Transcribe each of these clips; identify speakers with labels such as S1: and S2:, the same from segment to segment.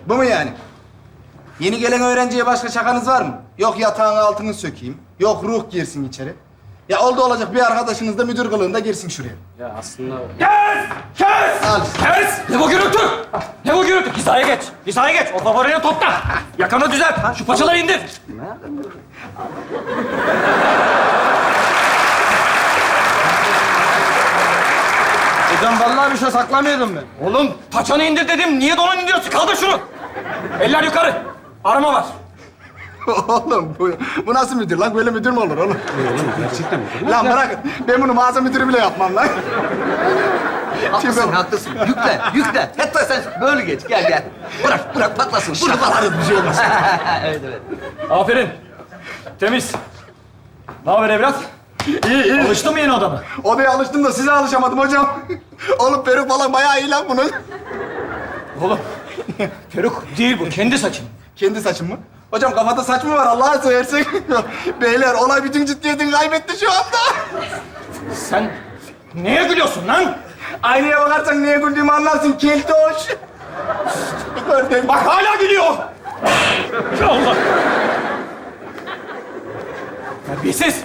S1: Bu mu yani? Yeni gelen öğrenciye başka şakanız var mı? Yok yatağın altını sökeyim. Yok ruh girsin içeri. Ya oldu olacak bir arkadaşınız da müdür kılığında girsin şuraya.
S2: Ya aslında...
S3: Kes! Kes!
S1: Al.
S3: Kes! Ne bu gürültü? Ne bu gürültü? Hizaya geç. Hizaya geç. O favorini topla. Yakanı düzelt. Şu paçaları indir.
S2: Hocam vallahi bir şey saklamıyordum ben.
S3: Oğlum paçanı indir dedim. Niye donunu indiriyorsun? Kaldır şunu. Eller yukarı. Arama var.
S1: Oğlum bu nasıl müdür lan? Böyle müdür mü olur oğlum?
S2: Oğlum gerçekten mi?
S1: Lan bırak. Ben bunu mağaza müdürü bile yapmam lan.
S4: Haklısın, haklısın. Yüklen, yüklen. Hatta sen böyle geç, gel gel. Bırak patlasın. Bunu
S1: Şakalarız bir şey olmaz.
S4: Evet, evet.
S3: Aferin. Temiz. Ne haber evlat?
S1: İyi.
S3: Alıştın mı yeni odana?
S1: Odaya alıştım da size alışamadım hocam. Oğlum peruk falan bayağı iyi lan bunun.
S3: Oğlum peruk değil bu. Kendi saçın.
S1: Kendi saçım mı? Hocam kafada saç mı var Allah'a seversen? Beyler olay bütün ciddiyetini kaybetti şu anda.
S3: Sen neye gülüyorsun lan?
S1: Aynaya bakarsan neye güldüğümü anlarsın keltoş. Gördün.
S3: Bak hala gülüyor. Ya Allah. Terbiyesiz.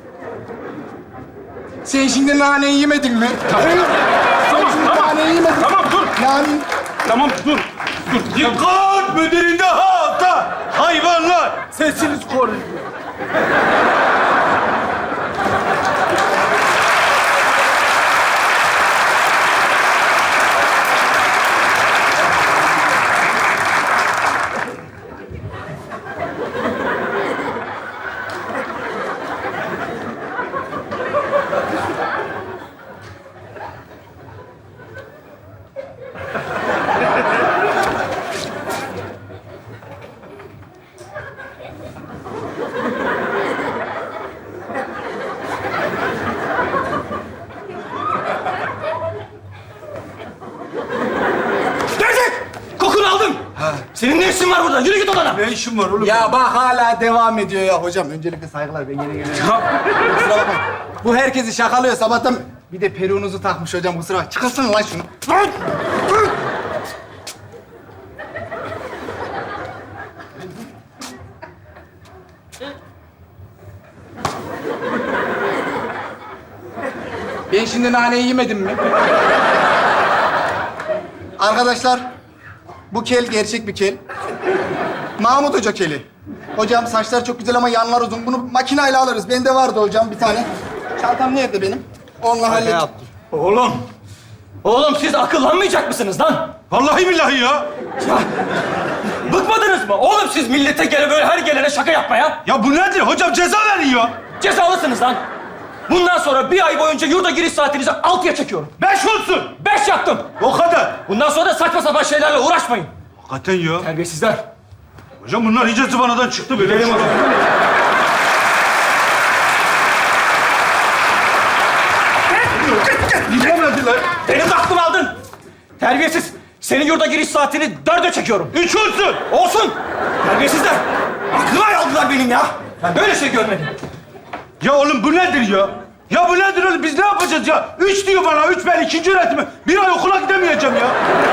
S1: Sen şimdi naneyi yemedin mi?
S3: Tamam,
S1: Naneyi yemedin.
S3: Tamam dur.
S1: Yani
S3: Tamam dur. Dur.
S5: Dikkat müdüründe hata! Hayvanlar! Sesiniz korun.
S3: Gelecek. Kokunu aldım. Senin ne işin var burada? Yürü git odana.
S5: Ne işin var oğlum?
S1: ya bak hala devam ediyor ya hocam. Öncelikle saygılar ben yine geliyorum. Kusura bakmayın. Bu herkesi şakalıyor sabahtan. Bir de peruğunuzu takmış hocam kusura bak. Çıkarsana lan şunu. Ben şimdi naneyi yemedim mi? Arkadaşlar, bu kel gerçek bir kel. Mahmut Hoca keli. Hocam saçlar çok güzel ama yanlar uzun. Bunu makineyle alırız. Bende vardı hocam bir tane. Çantam nerede benim? Onunla hallettim.
S3: Oğlum. Oğlum siz akıllanmayacak mısınız lan?
S5: Vallahi billahi ya!
S3: Ya bıkmadınız mı? Oğlum siz millete gele böyle her gelene şaka yapmaya.
S5: Ya bu nedir? Hocam ceza verin ya!
S3: Cezalısınız lan. Bundan sonra bir ay boyunca yurda giriş saatinizi 6'ya çekiyorum.
S5: 5 olsun!
S3: 5 yaptım.
S5: O kadar!
S3: Bundan sonra da saçma sapan şeylerle uğraşmayın.
S5: Hakikaten ya.
S3: Terbiyesizler.
S5: Hocam bunlar iyice zıvanadan çıktı böyle.
S3: Gidelim o zaman.
S5: Yiyemediler.
S3: Benim de aklımı aldın. Terbiyesiz. Senin yurda giriş saatini 4'e çekiyorum.
S5: 3 olsun!
S3: Olsun. Terbiyesizler. Aklımı aldılar benim ya. Ben böyle şey görmedim.
S5: Ya oğlum bu nedir ya? Ya bu nedir oğlum? Biz ne yapacağız ya? 3 diyor bana. 3 ben ikinci öğretimi. Bir ay okula gidemeyeceğim ya.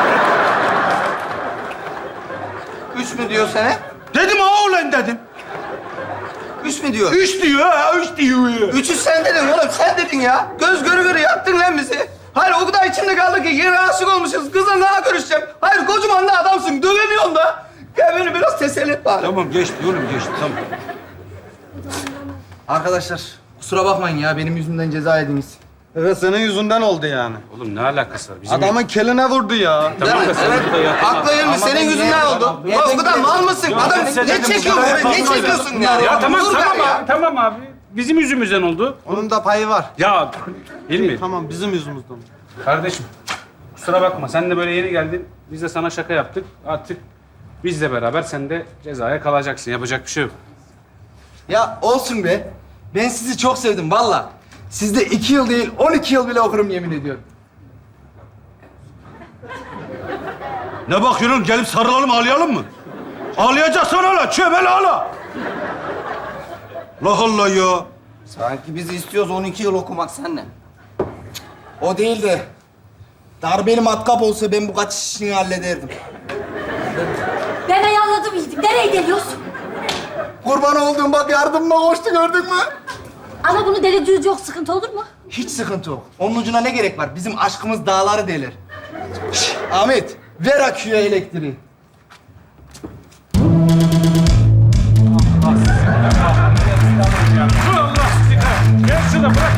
S4: 3 mü diyor sana?
S5: Dedim ha oğlan dedim.
S4: 3 mü diyor?
S5: 3 diyor ha. 3 diyor.
S4: 3'ü sen dedin oğlum, sen dedin ya. Göz göre göre yaktın lan bizi. Hayır, o kadar içimde kaldı ki yere aşık olmuşuz. Kızla daha görüşeceğim. Hayır, kocaman da adamsın. Dövemiyorsun da. Gel beni biraz teselli et bari.
S5: Tamam geçti oğlum geçti tamam.
S1: Arkadaşlar, kusura bakmayın ya. Benim yüzümden ceza yediniz.
S2: Evet senin yüzünden oldu yani.
S5: Oğlum ne alakası var? Bizim
S2: Adamın keline vurdu ya.
S4: Değil mi? Evet. Haklı Hilmi, senin yüzünden oldu. Ya o kadar mal mısın? Adam ne çekiyor buraya? Ne çekiyorsun ya?
S5: Ya tamam
S4: Dur
S5: tamam
S4: ya.
S5: abi. Tamam abi. Bizim yüzümüzden oldu.
S2: Onun da payı var.
S5: Ya Hilmi.
S2: Tamam bizim yüzümüzden.
S5: Kardeşim kusura bakma sen de böyle yeni geldin. Biz de sana şaka yaptık. Artık bizle beraber sen de cezaya kalacaksın. Yapacak bir şey yok.
S1: Ya olsun be. Ben sizi çok sevdim valla. Sizde 2 yıl değil, 12 yıl bile okurum yemin ediyorum.
S5: Ne bakıyorsun? Gelip sarılalım ağlayalım mı? Ağlayacaksan ağla. Çömel ağla. Allah Allah ya.
S4: Sanki biz istiyoruz 12 yıl okumak seninle.
S1: O değil de darbeli matkap olsa ben bu kaçış işini hallederdim.
S6: Nereye geliyoruz?
S1: Kurban olduğum bak yardımıma koştu gördün mü?
S6: Ama bunu deli düz yok, sıkıntı olur mu?
S1: Hiç sıkıntı yok. Onun ucuna ne gerek var? Bizim aşkımız dağları delir. Şş, Ahmet, ver aküye elektriği.
S5: Allah sizi kahretsin. Gel şurada bırak